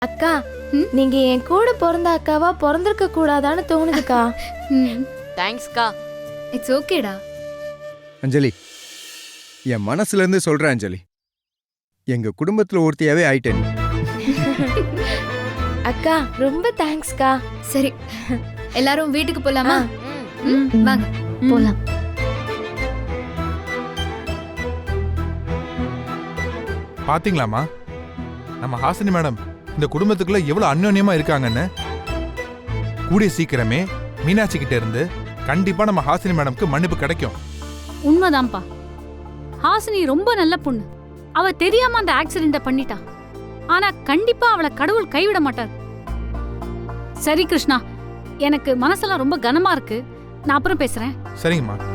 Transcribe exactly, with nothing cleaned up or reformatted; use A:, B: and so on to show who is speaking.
A: அக்கா நீங்க என் கூட பிறந்த அக்காவா பிறந்திருக்க கூடாதான்னு தோணுதுக்கா.
B: தேங்க்ஸ்க்கா.
C: இட்ஸ் ஓகேடா.
D: அஞ்சலி, என் மனசுல இருந்து சொல்றேன் அஞ்சலி, எங்க குடும்பத்துல ஒருத்தியாவே ஆயிட்டேன்.
A: அக்கா ரொம்ப தேங்க்ஸ்க்கா.
C: சரி, எல்லாரும் வீட்டுக்கு போலாமா?
B: ம்.
C: ம், வாங்க போலாம்.
E: பாத்தீங்களாமா நம்ம ஹாசினி மேடம் இந்த குடும்பத்துக்குள்ள எவ்வளவு அந்யோன்யமா இருக்காங்கன்னு. கூடிய சீக்கிரமே மீனாட்சி கிட்ட இருந்து கண்டிப்பா நம்ம ஹாசினி மேடம்க்கு மன்னிப்பு கிடைக்கும்.
F: உண்மைதான்ப்பா. ஹாசினி ரொம்ப நல்ல பொண்ணு. அவ தெரியாம அந்த ஆக்சிடென்ட பண்ணிட்டா. ஆனா கண்டிப்பா அவளை கடவுள் கைவிட மாட்டார். சரி கிருஷ்ணா, எனக்கு மனசெல்லாம் ரொம்ப கனமா இருக்கு. நான் அப்புறம் பேசுறேன்.
E: சரிங்கம்மா.